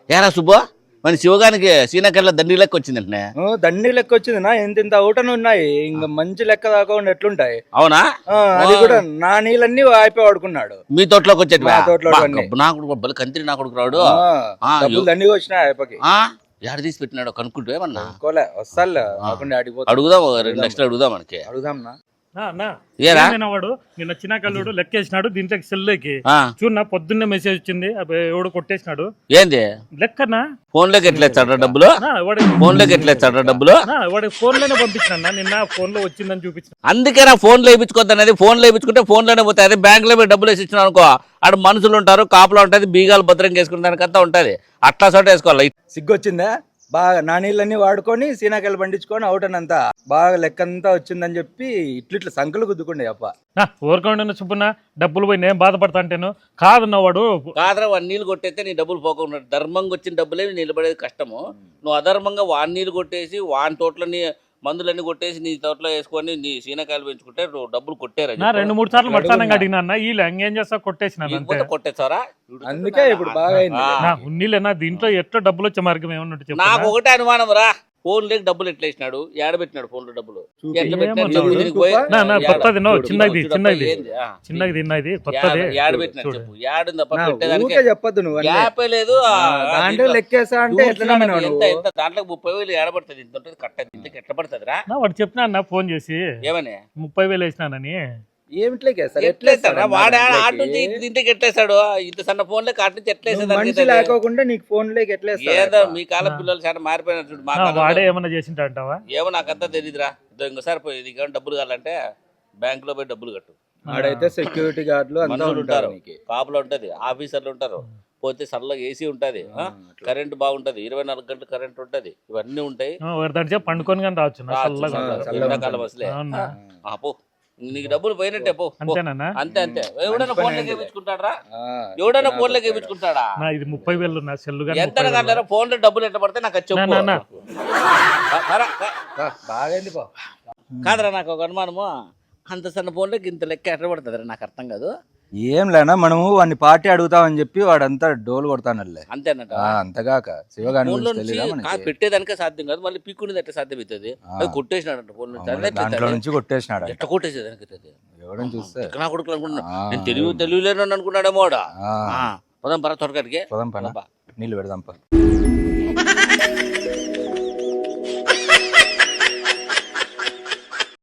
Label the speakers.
Speaker 1: ఏరా సుబ్బు మన శివగానికి సీనాకెళ్ళ దండి లెక్క వచ్చిందంటే.
Speaker 2: దండి లెక్క వచ్చింది నా ఇంత ఊటను ఉన్నాయి ఇంకా మంచి లెక్క దాకా ఎట్లుంటాయి.
Speaker 1: అవునా?
Speaker 2: అది కూడా నా నీళ్ళన్నీ అయిపోయి వాడుకున్నాడు.
Speaker 1: మీ తోటలోకి వచ్చేటి
Speaker 2: మా తోటలో
Speaker 1: నాకు బలి కంత్రి నా కొడుకు రాడు.
Speaker 2: దండిగా వచ్చినాయి అయిపోయి.
Speaker 1: ఎడ తీసి పెట్టినాడు కనుక్కుంటే ఏమన్నా
Speaker 2: వస్తాలే
Speaker 1: అడుగుదాం, 2 లక్షలు అడుగుదాం మనకి.
Speaker 2: అడుగుదాం
Speaker 3: వాడు నిన్న చిన్నకల్లుడు లెక్కేసినాడు దీంట్లో సెల్లోకి చూడన్నా పొద్దున్నే మెసేజ్ వచ్చింది ఎవడు కొట్టేసినాడు.
Speaker 1: ఏంది
Speaker 3: లెక్కనా
Speaker 1: ఫోన్ లోకి ఎట్లేస్తాడు డబ్బులు? ఫోన్ లోకి ఎట్లేస్తాడు డబ్బులు?
Speaker 3: వాడి ఫోన్ లోనే పంపించిన నిన్న ఫోన్ లో వచ్చిందని చూపించిన.
Speaker 1: అందుకే నా ఫోన్ లో వేయించుకోద్దు అనేది. ఫోన్ లో వేయించుకుంటే ఫోన్ లోనే పోతాయి. అదే బ్యాంక్ లో డబ్బులు వేసి ఇచ్చిన అనుకో ఆడ మనుషులు ఉంటారు, కాపులో ఉంటది, బీగాలు భద్రంగా వేసుకునే దానికంతా ఉంటది. అట్లా చోట వేసుకోవాలి.
Speaker 2: సిగ్గొచ్చిందా బాగా నా నీళ్ళన్నీ వాడుకొని సీనాకాయలు పండించుకొని అవుటనంతా బాగా లెక్కంతా వచ్చిందని చెప్పి ఇట్లా సంకలు గుద్దుకుండే అప్ప.
Speaker 3: ఊరుకోండి సుబ్బన్న డబ్బులు పోయి నేను బాధపడతా అంటేను కాదన్న వాడు
Speaker 1: కాదరా వాడి నీళ్ళు కొట్టేస్తే నీ డబ్బులు పోకుండా ధర్మంగా వచ్చిన డబ్బులే నిలబడేది కష్టము. నువ్వు అధర్మంగా వాడి నీళ్ళు కొట్టేసి వాని తోటలని మందులన్నీ కొట్టేసి నీ తోటలో వేసుకొని నీ సీనకాయలు పెంచుకుంటే డబ్బులు కొట్టారు.
Speaker 3: 2-3 సార్లు మట్టానంగా అడిగినా వీళ్ళు ఇంకేం చేస్తా కొట్టేసిన
Speaker 1: కొట్టేస్తారా?
Speaker 2: అందుకే ఇప్పుడు బాగా
Speaker 3: ఉన్నీళ్ళేనా దీంట్లో ఎట్లా డబ్బులు వచ్చే మార్గం ఏమన్నట్టు
Speaker 1: నాకు ఒకటే అనుమానం రా. ఫోన్ లేక డబ్బులు ఎట్లా వేసినాడు? ఏడబెట్టినాడు ఫోన్ లో డబ్బులు?
Speaker 3: కొత్తది చిన్నది చిన్నది చిన్నది తిన్నది కొత్తది
Speaker 1: ఏడబెట్టినాడు చెప్పు.
Speaker 2: చెప్పద్దు నువ్వు
Speaker 1: లేదు
Speaker 2: లెక్కేసా అంటే
Speaker 1: దాంట్లో 30,000 ఏడబడుతుంది. ఇంత ఉంటుంది కట్టది. ఇంతకి ఎట్లా పడుతుంది రా?
Speaker 3: వాడు చెప్పినా అన్న ఫోన్ చేసి
Speaker 1: ఏమని
Speaker 3: 30,000 వేసినానని.
Speaker 1: వాడు ఆట నుంచి ఇంటికి ఎట్లేస్తాడు? ఇంత సన్న ఫోన్ లేక అటు నుంచి ఎట్లేసేది
Speaker 2: లేకోకుండా నీకు ఫోన్ లేక
Speaker 1: ఏదో మీ కాలం పిల్లలు చాలా మారిపోయినారు చూడు. మా
Speaker 3: వాడే ఏమన్నా చేసింటావా?
Speaker 1: ఏమో నాకంతా తెలియదురా. ఇంకోసారి పోయి డబ్బులు కావాలంటే బ్యాంక్ లో పోయి డబ్బులు కట్టు.
Speaker 2: ఆడైతే సెక్యూరిటీ గార్డులు
Speaker 1: మనుషులు ఉంటారు, కాపులు ఉంటది, ఆఫీసర్లు ఉంటారు, పోతే సల్లగా ఏసీ ఉంటది, కరెంట్ బాగుంటది, 24 గంటలు కరెంట్ ఉంటది, ఇవన్నీ ఉంటాయి.
Speaker 3: పండుకొని కానీ రావచ్చు
Speaker 1: ఎండాకాలం అసలే. పో నీకు డబ్బులు పోయినట్టే పో. అంతే అంతే. ఎవడైనా ఫోన్ లోకి వేయించుకుంటాడా? ఎవడైనా ఫోన్ లోకి వేయించుకుంటాడా?
Speaker 3: ఇది 30,000 నా సెల్
Speaker 1: ఎంత కాదు ఫోన్ లో డబ్బులు ఎట్లా పడితే నాకు చెప్పు.
Speaker 2: బాగైంది
Speaker 1: కాదురా నాకు ఒక అనుమానము. అంత సన్న ఫోన్ లోకి ఇంత లెక్క ఎట్లా పడుతుంది నాకు అర్థం కాదు.
Speaker 2: ఏం లేనా మనము వాడిని పార్టీ అడుగుతామని చెప్పి వాడంతా డోలు కొడతానల్లే
Speaker 1: అంతేనట.
Speaker 2: అంతగాక శివగాని
Speaker 1: పెట్టేదానికే సాధ్యం కాదు, మళ్ళీ పీక్కునేది ఎట్లా సాధ్యం అవుతుంది? అది కొట్టేసినాడంట ఫోన్
Speaker 2: నుంచి కొట్టేసినాడు.
Speaker 1: ఎట్లా కొట్టేసేదానికి
Speaker 2: ఎవడని చూస్తే
Speaker 1: నా కొడుకు అనుకున్నా. నేను తెలివిలేను అనుకున్నాడేమో. పదం పర త్వరగాడికి
Speaker 2: నీళ్ళు పెడదాం.